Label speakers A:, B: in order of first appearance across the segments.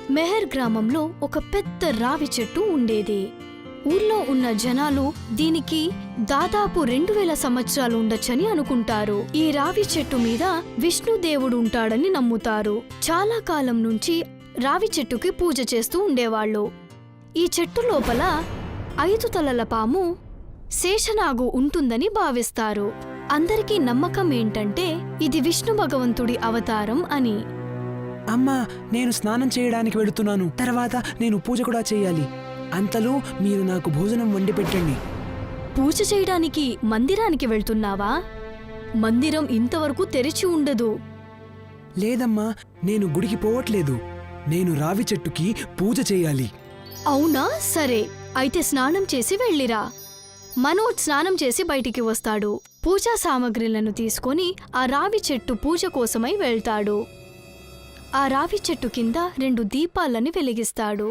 A: మెహర్ గ్రామంలో ఒక పెద్ద రావి చెట్టు ఉండేది. ఊర్లో ఉన్న జనాలు దీనికి దాదాపు 2000 సంవత్సరాలు ఉండొచ్చని అనుకుంటారు. ఈ రావి చెట్టు మీద విష్ణుదేవుడు ఉంటాడని నమ్ముతారు. చాలా కాలం నుంచి రావి చెట్టుకి పూజ చేస్తూ ఉండేవాళ్ళు. ఈ చెట్టు లోపల 5 తలల పాము శేషనాగు ఉంటుందని భావిస్తారు. అందరికీ నమ్మకం ఏంటంటే ఇది విష్ణు భగవంతుడి అవతారం అని.
B: అమ్మా, నేను స్నానం చేయడానికి వెళుతున్నాను. తర్వాత నేను పూజ కూడా చేయాలి. అంతలో మీరు నాకు భోజనం వండి పెట్టండి.
A: పూజ చేయడానికి మందిరానికి వెళ్తున్నావా? మందిరం ఇంతవరకు తెరిచి ఉండదు.
B: లేదమ్మా, నేను గుడికి పోవట్లేదు. నేను రావి చెట్టుకి పూజ చేయాలి.
A: అవునా? సరే, అయితే స్నానం చేసి వెళ్ళిరా. మనోజ్ స్నానం చేసి బయటికి వస్తాడు. పూజా సామగ్రిలను తీసుకొని ఆ రావి చెట్టు పూజ కోసమై వెళ్తాడు. ఆ రావి చెట్టు కింద 2 దీపాలని వెలిగిస్తాడు.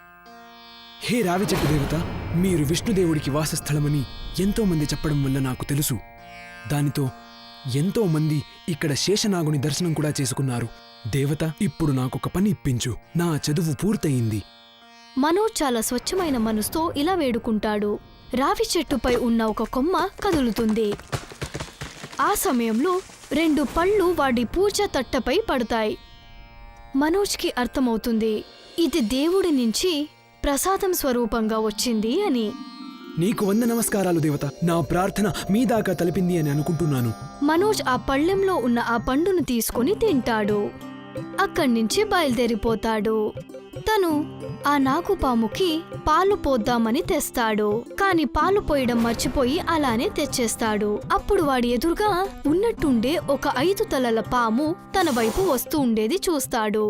B: హే రావి చెట్టు దేవత, మీరు విష్ణుదేవుడికి వాసస్థలమని ఎంతో మంది చెప్పడం వల్ల నాకు తెలుసు. దానితో ఎంతో మంది ఇక్కడ శేషనాగుని దర్శనం కూడా చేసుకున్నారు. దేవత, ఇప్పుడు నాకొక పని ఇప్పించు. నా చదువు పూర్తయింది.
A: మనోజ్ చాలా స్వచ్ఛమైన మనసుతో ఇలా వేడుకుంటాడు. రావి చెట్టుపై ఉన్న ఒక కొమ్మ కదులుతుంది. ఆ సమయంలో 2 పళ్ళు వాడి పూజ తట్టపై పడతాయి. మనోజ్కి అర్థమవుతుంది ఇది దేవుడి నుంచి ప్రసాదం స్వరూపంగా వచ్చింది అని.
B: నీకు 100 నమస్కారాలు దేవత. నా ప్రార్థన మీ దాకా తలిపింది అని అనుకుంటున్నాను.
A: మనోజ్ ఆ పళ్ళెంలో ఉన్న ఆ పండును తీసుకుని తింటాడు. అక్కడ్నుంచి బయలుదేరిపోతాడు. తను ఆ నాగుపాముకి పాలు పోద్దామని తెస్తాడు. కాని పాలు పోయడం మర్చిపోయి అలానే తెచ్చేస్తాడు. అప్పుడు వాడి ఎదురుగా ఉన్నట్టుండే ఒక 5 తలల పాము తన వైపు వస్తూ ఉండేది చూస్తాడు.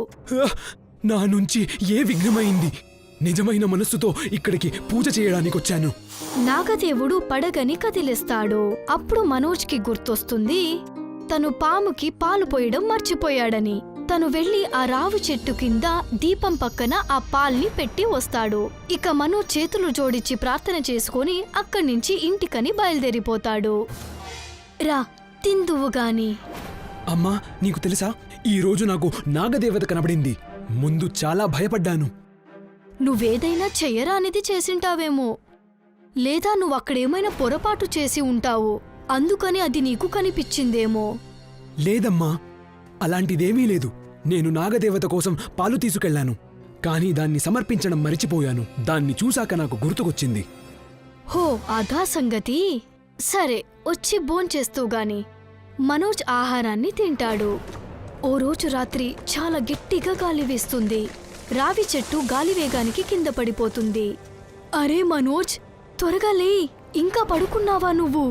B: నా నుంచి ఏ విఘ్నమైంది? నిజమైన మనస్సుతో ఇక్కడికి పూజ చేయడానికొచ్చాను.
A: నాగదేవుడు పడగని కదిలిస్తాడు. అప్పుడు మనోజ్కి గుర్తొస్తుంది తను పాముకి పాలు పోయడం మర్చిపోయాడని. తను వెళ్లి ఆ రావి చెట్టు కింద దీపం పక్కన ఆ పాల్ని పెట్టి వస్తాడు. ఇక మనోజ్ చేతులు జోడించి ప్రార్థన చేసుకుని అక్కడ్నుంచి ఇంటికని బయలుదేరిపోతాడు. రా, తిందువుగాని.
B: అమ్మా, నీకు తెలుసా, ఈ రోజు నాకు నాగదేవత కనబడింది. ముందు చాలా భయపడ్డాను.
A: నువ్వేదైనా చెయ్యరానిది చేసింటావేమో, లేదా నువ్వక్కడేమైనా పొరపాటు చేసి ఉంటావు. అందుకని అది నీకు కనిపించిందేమో.
B: లేదమ్మా, అలాంటిదేమీ లేదు. నేను నాగదేవత కోసం పాలు తీసుకెళ్లాను. కానీ దాన్ని సమర్పించడం మరిచిపోయాను. దాన్ని చూశాక నాకు గుర్తుకొచ్చింది.
A: హో, అదా సంగతి. సరే, వచ్చి భోంచేస్తూగాని. మనోజ్ ఆహారాన్ని తింటాడు. ఓ రోజు రాత్రి చాలా గట్టిగా గాలి వీస్తుంది. రావి చెట్టు గాలివేగానికి కింద పడిపోతుంది. అరే మనోజ్, త్వరగా లే, ఇంకా పడుకున్నావా నువ్వు?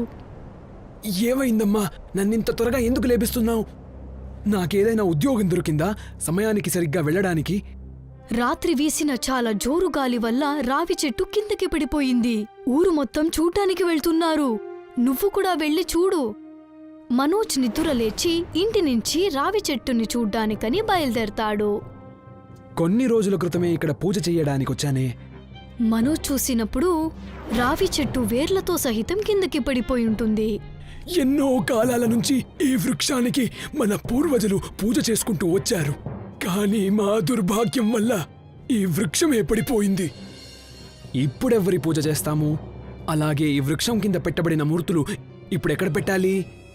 B: ఏమైందమ్మా? నన్నింత త్వరగా ఎందుకు లేపిస్తున్నావు? నాకేదైనా ఉద్యోగం దొరికిందా సమయానికి సరిగ్గా వెళ్ళడానికి?
A: రాత్రి వీసిన చాలా జోరు గాలి వల్ల రావి చెట్టు కిందకి పడిపోయింది. ఊరు మొత్తం చూడ్డానికి వెళ్తున్నారు. నువ్వు కూడా వెళ్ళి చూడు. మనోజ్ నిద్ర లేచి ఇంటి నుంచి రావి చెట్టుని చూడ్డానికని బయలుదేరతాడు.
B: కొన్ని రోజుల క్రితమే ఇక్కడ పూజ చెయ్యడానికొచ్చానే.
A: మనోజ్ చూసినప్పుడు రావి చెట్టు వేర్లతో సహితం కిందకి పడిపోయి ఉంటుంది.
B: ఎన్నో కాలాల నుంచి ఈ వృక్షానికి మన పూర్వజులు పూజ చేసుకుంటూ వచ్చారు. కానీ మా దుర్భాగ్యం వల్ల ఈ వృక్షమే పడిపోయింది. ఇప్పుడెవ్వరి పూజ చేస్తాము? అలాగే ఈ వృక్షం కింద పెట్టబడిన మూర్తులు ఇప్పుడెక్కడ పెట్టాలి?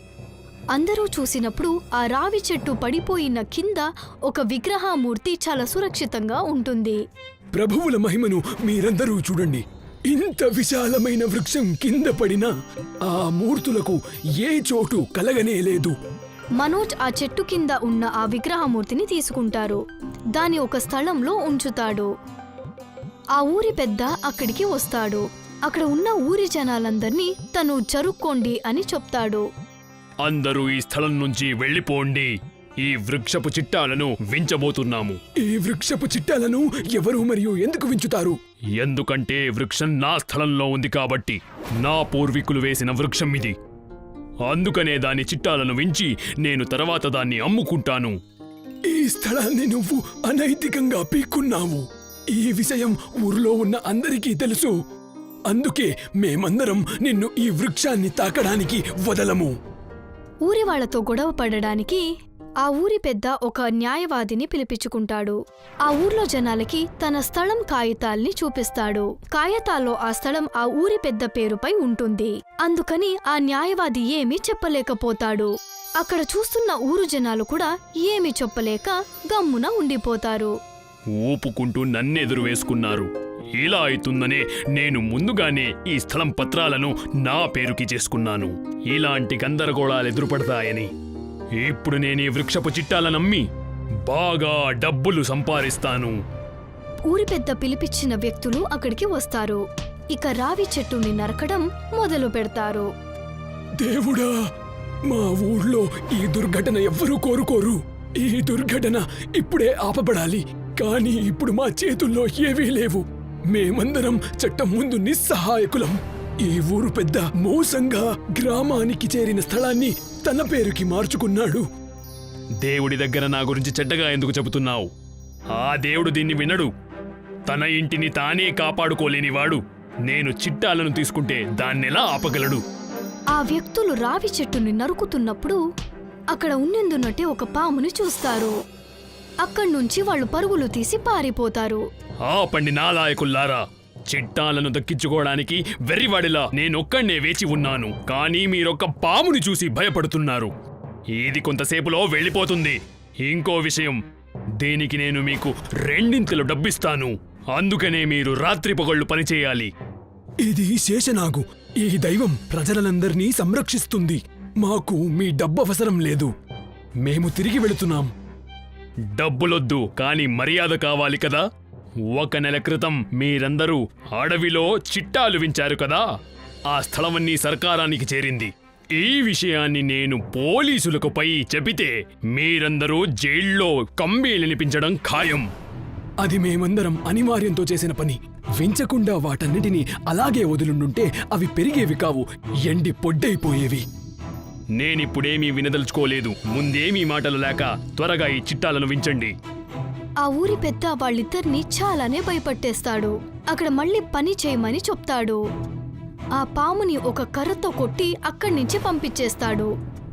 A: అందరూ చూసినప్పుడు ఆ రావి చెట్టు పడిపోయిన కింద ఒక విగ్రహమూర్తి చాలా సురక్షితంగా ఉంటుంది.
B: ప్రభువుల మహిమను మీరందరూ చూడండి. ఇంత విశాలమైన వృక్షం కింద పడినా ఆ మూర్తులకు ఏ చోటు కలగనేలేదు.
A: మనోజ్ ఆ చెట్టు కింద ఉన్న ఆ విగ్రహమూర్తిని తీసుకుంటారు. దాని ఒక స్థలంలో ఉంచుతాడు. ఆ ఊరి పెద్ద అక్కడికి వస్తాడు. అక్కడ ఉన్న ఊరి జనాలందర్నీ తను జరుక్కోండి అని చెప్తాడు.
C: అందరూ ఈ స్థలం నుంచి వెళ్ళిపోండి. ఈ వృక్షపు చిట్టాలను వించబోతున్నాము.
B: ఈ వృక్షపు చిట్టాలను ఎవరు మరియు ఎందుకు వించుతారు?
C: ఎందుకంటే వృక్షం నా స్థలంలో ఉంది కాబట్టి. నా పూర్వీకులు వేసిన వృక్షం ఇది. అందుకనే దాని చిట్టాలను వించి నేను తర్వాత దాన్ని అమ్ముకుంటాను.
B: ఈ స్థలాన్ని నువ్వు అనైతికంగా పీక్కున్నావు. ఈ విషయం ఊర్లో ఉన్న అందరికీ తెలుసు. అందుకే మేమందరం నిన్ను ఈ వృక్షాన్ని తాకడానికి వదలము.
A: ఊరి వాళ్లతో గొడవ పడడానికి ఆ ఊరి పెద్ద ఒక న్యాయవాదిని పిలిపించుకుంటాడు. ఆ ఊర్లో జనాలకి తన స్థలం కాగితాల్ని చూపిస్తాడు. కాగితాల్లో ఆ స్థలం ఆ ఊరి పెద్ద పేరుపై ఉంటుంది. అందుకని ఆ న్యాయవాది ఏమీ చెప్పలేకపోతాడు. అక్కడ చూస్తున్న ఊరు జనాలు కూడా ఏమీ చెప్పలేక గమ్మున ఉండిపోతారు.
C: ఊపుకుంటూ నన్నెదురు వేసుకున్నారు. ఇలా అవుతుందనే నేను ముందుగానే ఈ స్థలం పత్రాలను నా పేరుకి చేసుకున్నాను. ఇలాంటి గందరగోళాలు ఎదురుపడతాయని. ఇప్పుడు నేనీ వృక్షపు చిట్టాలనమ్మి బాగా డబ్బులు సంపాదిస్తాను.
A: ఊరి పెద్ద పిలిపించిన వ్యక్తులు అక్కడికి వస్తారు. ఇక రావి చెట్టుని నరకడం మొదలు పెడతారు.
B: దేవుడా, మా ఊళ్ళో ఈ దుర్ఘటన ఎవ్వరూ కోరుకోరు. ఈ దుర్ఘటన ఇప్పుడే ఆపబడాలి. కానీ ఇప్పుడు మా చేతుల్లో ఏవీ లేవు. మేమందరం చట్టం ముందు నిస్సహాయకులం. ఈ ఊరు పెద్ద మోసంగా గ్రామానికి చేరిన స్థలాన్ని తన పేరుకి మార్చుకున్నాడు.
C: దేవుడి దగ్గర నా గురించి చెడ్డగా ఎందుకు చెబుతున్నావు? ఆ దేవుడు దీన్ని వినడు. తన ఇంటిని తానే కాపాడుకోలేనివాడు నేను చిట్టాలను తీసుకుంటే దాన్నెలా ఆపగలడు?
A: ఆ వ్యక్తులు రావి చెట్టుని నరుకుతున్నప్పుడు అక్కడ ఉన్నెందున్నట్టే ఒక పాముని చూస్తారు. అక్కడ్నుంచి వాళ్ళు పరుగులు తీసి పారిపోతారు.
C: ఆపండి నాలాయకుల్లారా! చిట్టాలను దక్కించుకోవడానికి వెర్రివాడిలా నేనొక్కడే వేచి ఉన్నాను. కానీ మీరొక్క పాముని చూసి భయపడుతున్నారు. ఇది కొంతసేపులో వెళ్ళిపోతుంది. ఇంకో విషయం, దీనికి నేను మీకు రెండింతలు డబ్బిస్తాను. అందుకనే మీరు రాత్రిపగళ్ళు పనిచేయాలి.
B: ఇది శేషనాగు. ఈ దైవం ప్రజలందరినీ సంరక్షిస్తుంది. మాకు మీ డబ్బు అవసరం లేదు. మేము తిరిగి వెళుతున్నాం.
C: డబ్బులొద్దు, కానీ మర్యాద కావాలి కదా. 1 నెల క్రితం మీరందరూ అడవిలో చిట్టాలు వించారు కదా. ఆ స్థలమన్నీ సర్కారానికి చేరింది. ఈ విషయాన్ని నేను పోలీసులకు పై చెబితే మీరందరూ జైల్లో కంబీలనిపించడం ఖాయం.
B: అది మేమందరం అనివార్యంతో చేసిన పని. వించకుండా వాటన్నిటినీ అలాగే వదులుండుంటే అవి పెరిగేవి కావు, ఎండి పొడ్డైపోయేవి.
C: నేనిప్పుడేమీ వినదలుచుకోలేదు. ముందేమీ మాటలు లేక త్వరగా ఈ చిట్టాలను వించండి.
A: ఆ ఊరి పెద్ద వాళ్ళిద్దరినీ చాలానే భయపట్టేస్తాడు. అక్కడ మళ్ళీ పని చేయమని చెప్తాడు. ఆ పాముని ఒక కర్రతో కొట్టి అక్కడి నుంచి పంపించేస్తాడు.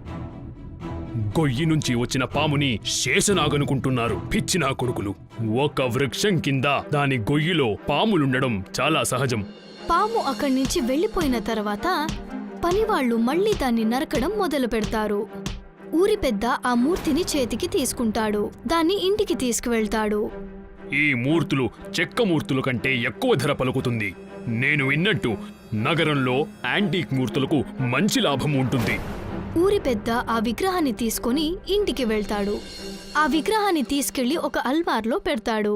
C: గొయ్యి నుంచి వచ్చిన పాముని శేషనాగనుకుంటున్నారు పిచ్చినా కొడుకులు. ఒక వృక్షం కింద దాని గొయ్యిలో పాములుండడం చాలా సహజం.
A: పాము అక్కడి నుంచి వెళ్లిపోయిన తర్వాత పనివాళ్లు మళ్లీ దాన్ని నరకడం మొదలు పెడతారు. ఊరి పెద్ద ఆ మూర్తిని చేతికి తీసుకుంటాడు. దాన్ని ఇంటికి తీసుకువెళ్తాడు.
C: ఈ మూర్తులు చెక్క మూర్తుల కంటే ఎక్కువ ధర పలుకుతుంది. నేను విన్నట్టు నగరంలో యాంటీక్ మూర్తులకు మంచి లాభం ఉంటుంది.
A: ఊరి పెద్ద ఆ విగ్రహాన్ని తీసుకుని ఇంటికి వెళ్తాడు. ఆ విగ్రహాన్ని తీసుకెళ్లి ఒక అల్మార్లో పెడతాడు.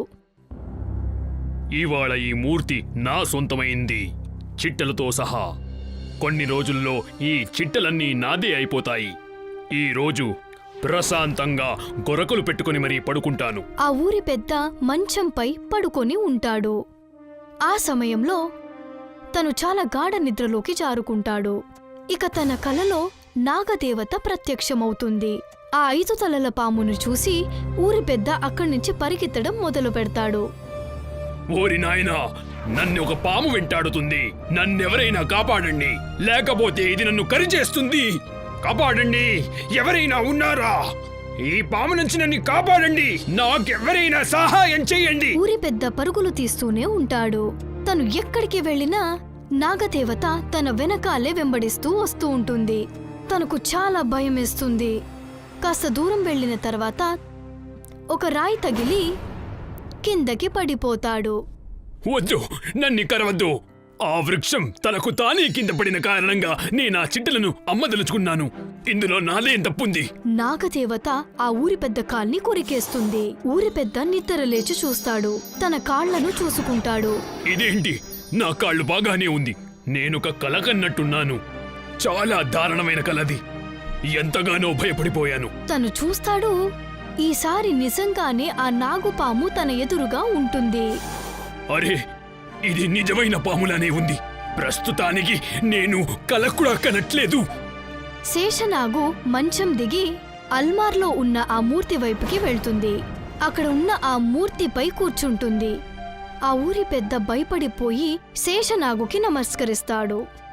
C: ఇవాళ ఈ మూర్తి నా సొంతమైంది, చిట్టలతో సహా. కొన్ని రోజుల్లో ఈ చిట్టలన్నీ నాదే అయిపోతాయి. ఈ రోజు ప్రశాంతంగా గొరకలు పెట్టుకుని మరీ పడుకుంటాను.
A: ఆ ఊరి పెద్ద మంచంపై పడుకొని ఉంటాడు. ఆ సమయంలో తను చాలా గాఢ నిద్రలోకి జారుకుంటాడు. ఇక తన కలలో నాగదేవత ప్రత్యక్షమవుతుంది. ఆ 5 తలల పామును చూసి ఊరి పెద్ద అక్కడి నుంచి పరిగెత్తడం మొదలు పెడతాడు.
C: ఓరి నాయనా, నన్ను ఒక పాము వెంటాడుతుంది. నన్నెవరైనా కాపాడండి, లేకపోతే ఇది నన్ను కరిచేస్తుంది. కాపాడండి, ఎవరైనా ఉన్నారా? ఈ పాము నుంచి నన్ను కాపాడండి. నాకెవరైనా సహాయం చెయ్యండి.
A: ఊరి పెద్ద పరుగులు తీస్తూనే ఉంటాడు. తను ఎక్కడికి వెళ్ళినా నాగదేవత తన వెనకాలే వెంబడిస్తూ వస్తూ ఉంటుంది. తనకు చాలా భయమేస్తుంది. కాస్త దూరం వెళ్లిన తర్వాత ఒక రాయి తగిలి కిందకి పడిపోతాడు.
C: వద్దు, నన్ను కరవద్దు. ఆ వృక్షం తనకు తానే కింద పడిన కారణంగా నేను ఆ చిట్టలను అమ్మదలుచుకున్నాను. ఇందులో నాదేం తప్పుంది?
A: నాగదేవత ఆ ఊరి పెద్ద కాల్ని కొరికేస్తుంది. ఊరి పెద్ద నిద్ర లేచి చూస్తాడు. తన కాళ్లను చూసుకుంటాడు.
C: ఇదేంటి, నా కాళ్ళు బాగానే ఉంది. నేనొక కల కన్నట్టున్నాను. చాలా దారుణమైన కలది. ఎంతగానో భయపడిపోయాను.
A: తను చూస్తాడు, ఈసారి నిజంగానే ఆ నాగుపాము తన ఎదురుగా ఉంటుంది.
C: అరే, ఇది నిజమైన పాములానే ఉంది. ప్రస్తుతానికి నేను కల కూడా కనట్లేదు.
A: శేషనాగు మంచం దిగి అల్మార్లో ఉన్న ఆ మూర్తి వైపుకి వెళ్తుంది. అక్కడ ఉన్న ఆ మూర్తిపై కూర్చుంటుంది. ఆ ఊరి పెద్ద భయపడిపోయి శేషనాగుకి నమస్కరిస్తాడు.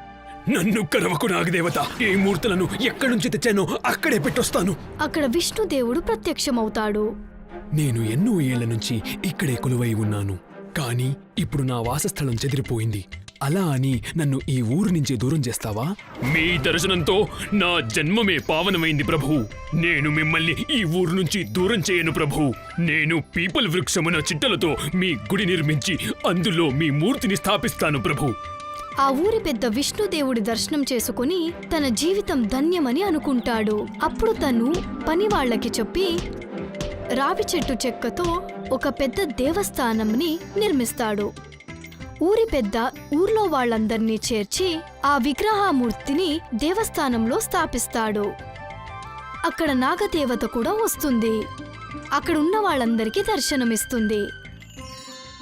B: నన్ను కరవకు నాగదేవత. ఈ మూర్తులను ఎక్కడి నుంచి తెచ్చానో అక్కడే పెట్టొస్తాను.
A: అక్కడ విష్ణుదేవుడు ప్రత్యక్షమవుతాడు.
B: నేను ఎన్నో ఏళ్ల నుంచి ఇక్కడే కొలువై ఉన్నాను, కానీ ఇప్పుడు నా వాసస్థలం చెదిరిపోయింది. అలా అని నన్ను ఈ ఊరు నుంచి దూరం చేస్తావా?
C: మీ దర్శనంతో నా జన్మమే పావనమైంది ప్రభు. నేను మిమ్మల్ని ఈ ఊరు నుంచి దూరం చేయను ప్రభు. నేను పీపల్ వృక్షమున చిట్టలతో మీ గుడి నిర్మించి అందులో మీ మూర్తిని స్థాపిస్తాను ప్రభు.
A: ఆ ఊరి పెద్ద విష్ణుదేవుడి దర్శనం చేసుకుని తన జీవితం ధన్యమని అనుకుంటాడు. అప్పుడు తను పనివాళ్లకి చెప్పి రావి చెట్టు చెక్కతో ఒక పెద్ద దేవస్థానంని నిర్మిస్తాడు. ఊరి పెద్ద ఊర్లో వాళ్ళందర్నీ చేర్చి ఆ విగ్రహమూర్తిని దేవస్థానంలో స్థాపిస్తాడు. అక్కడ నాగదేవత కూడా వస్తుంది. అక్కడున్న వాళ్ళందరికీ దర్శనమిస్తుంది.